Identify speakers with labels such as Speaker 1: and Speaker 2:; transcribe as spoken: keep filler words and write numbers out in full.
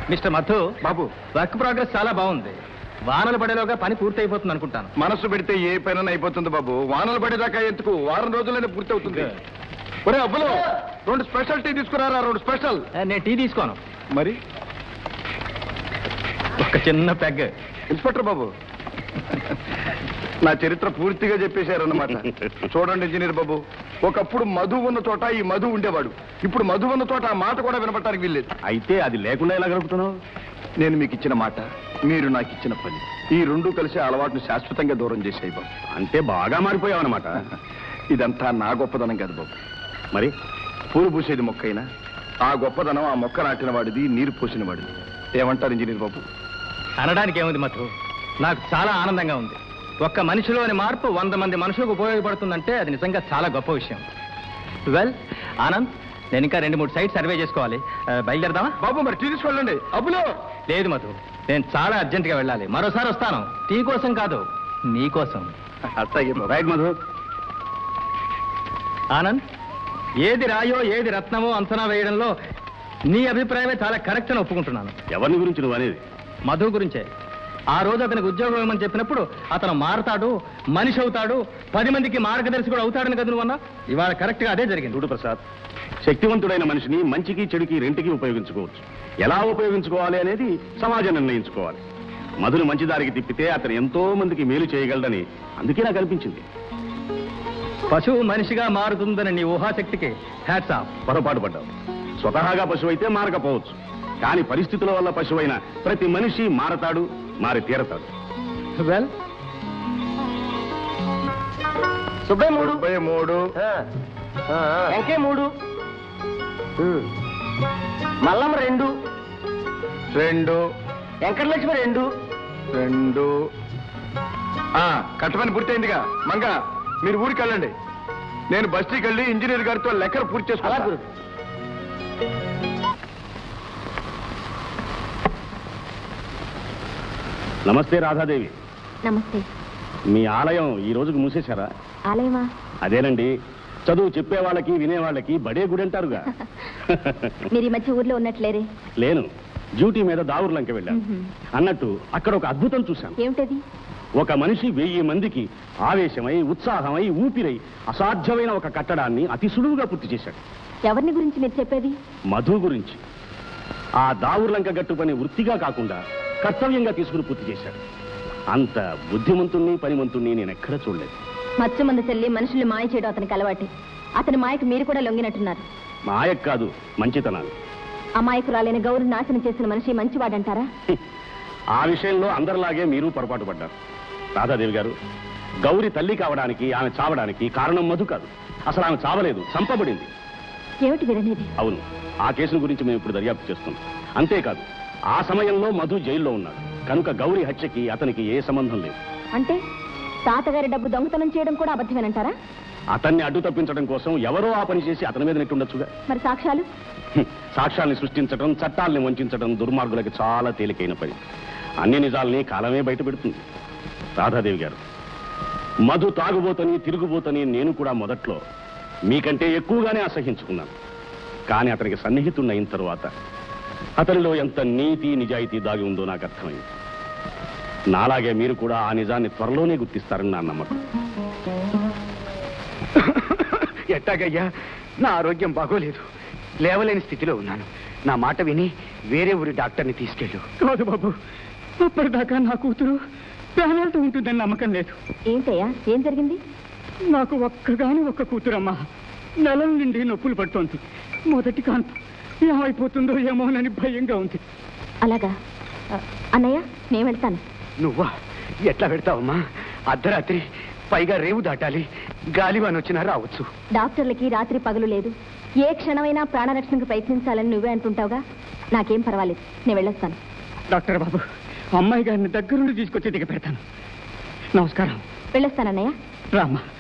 Speaker 1: Mister Madhu
Speaker 2: Babu,
Speaker 1: work progress చాలా బాగుంది. వానలు పడేలోగా పని పూర్తి అయిపోతుంది అనుకుంటాను.
Speaker 2: మనసు పెడితే ఏ పైన అయిపోతుంది బాబు. వానలు పడేదాకా ఎందుకు, వారం రోజులైనా పూర్తి అవుతుంది. ఒరే అబ్బులు, రెండు స్పెషల్ టీ తీసుకురారా. రెండు స్పెషల్.
Speaker 1: నేను టీ తీసుకోను.
Speaker 2: మరి
Speaker 1: ఒక చిన్న పెగ్.
Speaker 2: ఇన్స్పెక్టర్ బాబు, నా చరిత్ర పూర్తిగా చెప్పేశారన్నమాట. చూడండి ఇంజనీర్ బాబు, ఒకప్పుడు మధు ఉన్న చోట ఈ మధు ఉండేవాడు. ఇప్పుడు మధు ఉన్న చోట ఆ మాట కూడా వినపడటానికి వీల్లేదు.
Speaker 3: అయితే అది లేకుండా ఎలా గడుపుతున్నావు?
Speaker 2: నేను మీకు ఇచ్చిన మాట, మీరు నాకు ఇచ్చిన పని, ఈ రెండు కలిసి అలవాటును శాశ్వతంగా దూరం చేసాయి బాబు.
Speaker 3: అంటే బాగా మారిపోయావు అనమాట.
Speaker 2: ఇదంతా నా గొప్పదనం కాదు బాబు.
Speaker 3: మరి
Speaker 2: పూలు పూసేది మొక్కైనా ఆ గొప్పదనం ఆ మొక్క నాటిన వాడిది, నీరు పోసిన వాడిది. ఏమంటారు ఇంజనీర్ బాబు?
Speaker 1: అనడానికి ఏముంది మధు, నాకు చాలా ఆనందంగా ఉంది. ఒక్క మనిషిలోని మార్పు వంద మంది మనుషులకు ఉపయోగపడుతుందంటే అది నిజంగా చాలా గొప్ప విషయం. వెల్ ఆనంద్, నేను ఇంకా రెండు మూడు సైట్ సర్వే చేసుకోవాలి. బయలుదేరదామా?
Speaker 2: బాబు మరి టీ తీసుకెళ్ళండి. అబ్బులో
Speaker 1: లేదు మధు, నేను చాలా అర్జెంటుగా వెళ్ళాలి. మరోసారి వస్తాను. టీ కోసం కాదు, నీ కోసం.
Speaker 3: రైట్ మధు.
Speaker 1: ఆనంద్, ఏది రాయో ఏది రత్నమో అంచనా వేయడంలో నీ అభిప్రాయమే చాలా కరెక్ట్ అని ఒప్పుకుంటున్నాను.
Speaker 3: ఎవరిని గురించి నువ్వు అనేది?
Speaker 1: మధు గురించే. ఆ రోజు అతనికి ఉద్యోగం ఇవ్వమని చెప్పినప్పుడు అతను మారతాడు, మనిషి అవుతాడు, పది మందికి మార్గదర్శి కూడా అవుతాడని కదా నువ్వు అన్నా. ఇవాళ కరెక్ట్ గా అదే జరిగింది.
Speaker 3: చూడు ప్రసాద్, శక్తివంతుడైన మనిషిని మంచికి చెడుకి రెంటికి ఉపయోగించుకోవచ్చు. ఎలా ఉపయోగించుకోవాలి అనేది సమాజం నిర్ణయించుకోవాలి. మధుని మంచి దారికి తిప్పితే అతను ఎంతో మందికి మేలు చేయగలడని అందుకే నాకు అనిపించింది.
Speaker 1: పశువు మనిషిగా మారుతుందని నీ ఊహాశక్తికి హ్యాట్స్ ఆఫ్.
Speaker 3: పొరపాటు పడ్డావు. స్వతహాగా పశువు అయితే మారకపోవచ్చు, కానీ పరిస్థితుల వల్ల పశువైన ప్రతి మనిషి మారతాడు, మారి తీరతాడు.
Speaker 1: వెల్,
Speaker 2: సుబ్బయ్య మూడు సుబ్బయ్య మూడు
Speaker 4: వెంకే మూడు, మల్లమ్మ రెండు,
Speaker 2: రెండు
Speaker 4: వెంకటలక్ష్మి రెండు,
Speaker 2: రెండు కట్టమని పూర్తయిందిగా. మంగ, మీరు ఊరికి వెళ్ళండి. నేను బస్తీకి వెళ్ళి ఇంజనీర్ గారితో లెక్కలు పూర్తి చేసుకోవాలి.
Speaker 3: నమస్తే రాధాదేవి.
Speaker 5: నమస్తే.
Speaker 3: మీ ఆలయం ఈ రోజుకు మూసేశారా?
Speaker 5: ఆలయమా?
Speaker 3: అదేనండి, చదువు చెప్పే వాళ్ళకి వినే వాళ్ళకి బడే గుడి అంటారుగా.
Speaker 5: మీరు ఈ మధ్య ఊర్లో ఉన్నట్లేరే?
Speaker 3: లేను, డ్యూటీ మీద దావుర్లంక వెళ్ళాను. అన్నట్టు అక్కడ ఒక అద్భుతం చూశాను.
Speaker 5: ఏమిటది?
Speaker 3: ఒక మనిషి వెయ్యి మందికి ఆవేశమై, ఉత్సాహమై, ఊపిరై అసాధ్యమైన ఒక కట్టడాన్ని అతి సులువుగా పూర్తి చేశాడు.
Speaker 5: ఎవరిని గురించి మీరు చెప్పేది?
Speaker 3: మధు గురించి. ఆ దావుర్లంక గట్టు పని వృత్తిగా కాకుండా కర్తవ్యంగా తీసుకుని పూర్తి చేశాడు. అంత బుద్ధిమంతుణ్ణి, పనిమంతుణ్ణి నేను ఎక్కడ చూడలేదు.
Speaker 5: మత్స్య మంది చెల్లి మనుషుల్ని మాయ చేయడం అతనికి అలవాటి. అతని మాయకు మీరు కూడా లొంగినట్టున్నారు.
Speaker 3: మాయకు కాదు, మంచితనాలు.
Speaker 5: అమాయకురాలైన గౌరవ నాశనం చేసిన మనిషి మంచివాడంటారా?
Speaker 3: ఆ విషయంలో అందరిలాగే మీరు పొరపాటు పడ్డారు. రాధాదేవి గారు, గౌరి తల్లి కావడానికి, ఆమె చావడానికి కారణం మధు కాదు. అసలు ఆమె చావలేదు, చంపబడింది.
Speaker 5: ఏమిటి విననేది?
Speaker 3: అవును, ఆ కేసును గురించి మేము ఇప్పుడు దర్యాప్తు చేస్తున్నాం. అంతేకాదు, ఆ సమయంలో మధు జైల్లో ఉన్నాడు కనుక గౌరీ హత్యకి అతనికి ఏ సంబంధం లేదు.
Speaker 5: అంటే తాతగారి డబ్బు దొంగతనం చేయడం కూడా అబద్ధమేనంటారా?
Speaker 3: అతన్ని అడ్డు తప్పించడం కోసం ఎవరో ఆ పని చేసి అతని మీద నెట్టుండొచ్చుగా.
Speaker 5: మరి సాక్ష్యాలు?
Speaker 3: సాక్ష్యాల్ని సృష్టించడం, చట్టాల్ని వంచడం దుర్మార్గులకి చాలా తేలికైన పని. అన్ని నిజాల్ని కాలమే బయట పెడుతుంది. రాధాదేవి గారు, మధు తాగుబోతని, తిరుగుబోతని నేను కూడా మొదట్లో మీకంటే ఎక్కువగానే అసహించుకున్నాను. కానీ అతనికి సన్నిహితున్నయిన తరువాత అతనిలో ఎంత నీతి, నిజాయితీ దాగి ఉందో నాకు అర్థమైంది. నాలాగే మీరు కూడా ఆ నిజాన్ని త్వరలోనే గుర్తిస్తారని నా నమ్మకం.
Speaker 4: ఎట్టాగయ్యా, నా ఆరోగ్యం బాగోలేదు, లేవలేని స్థితిలో ఉన్నాను. నా మాట విని వేరే ఊరి డాక్టర్ని తీసుకెళ్ళు.
Speaker 6: కాదు బాబు, అప్పటిదాకా నా కూతురు ప్రాణాలతో ఉంటుందని నమ్మకం లేదు.
Speaker 5: ఏంటయ్యా, ఏం జరిగింది?
Speaker 6: నాకు ఒక్కగాని ఒక్క కూతురమ్మా. నెలల నుండి నొప్పులు పడుతోంది. మొదటి కాన్పు ఏమైపోతుందో ఏమోనని భయంగా ఉంది.
Speaker 5: అలాగా అన్నయ్య, నేను వెళ్తాను.
Speaker 4: నువ్వా? ఎట్లా పెడతావమ్మా? అర్ధరాత్రి, పైగా రేవు దాటాలి, గాలివాన్ వచ్చినా రావచ్చు.
Speaker 5: డాక్టర్లకి రాత్రి పగలు లేదు. ఏ క్షణమైనా ప్రాణరక్షణకు ప్రయత్నించాలని నువ్వే అంటుంటావుగా. నాకేం పర్వాలేదు, నేను వెళ్ళొస్తాను.
Speaker 6: డాక్టర్ బాబు, అమ్మాయి గారిని దగ్గరుండి తీసుకొచ్చి దిగ పెడతాను. నమస్కారం.
Speaker 5: వెళ్ళొస్తానన్నయ్య.
Speaker 6: రామ్మా.